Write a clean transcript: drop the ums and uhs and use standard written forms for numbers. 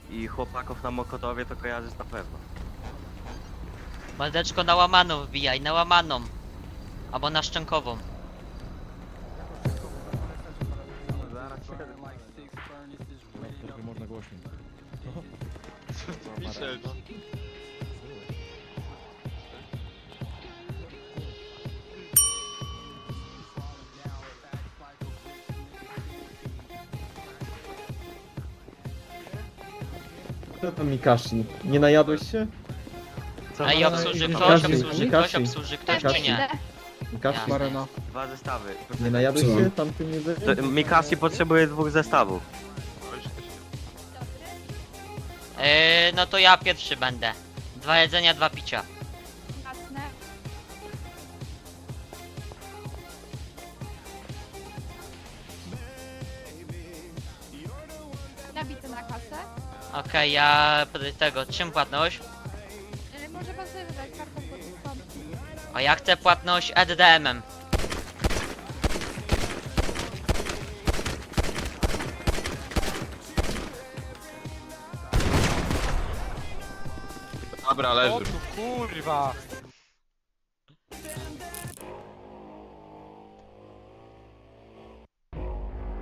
i chłopaków na Mokotowie to kojarzysz na pewno. Mordeczko na łamaną wbijaj, na łamaną. Albo na szczękową. Trochę można głośniej. Pisze, no. Co tam Mikashi? Nie najadłeś się? Ej, obsłuży ktoś, Mikashi, obsłuży Mikashi. ktoś, obsłuży ktoś, Mikashi. czy nie? Mikashi? Jasne. Marena. 2 zestawy. Nie najadłeś Co? się tamtym jedzeniem? To Mikasi potrzebuje 2 zestawów. No to ja pierwszy będę. 2 jedzenia, 2 picia. Jasne. Nabity na kasę. Okej, ja tego, czym płatność? Może pan sobie wybrać kartą pod dyskont. A ja chcę płatność EDDM-em. Dobra, O leży. tu kurwa!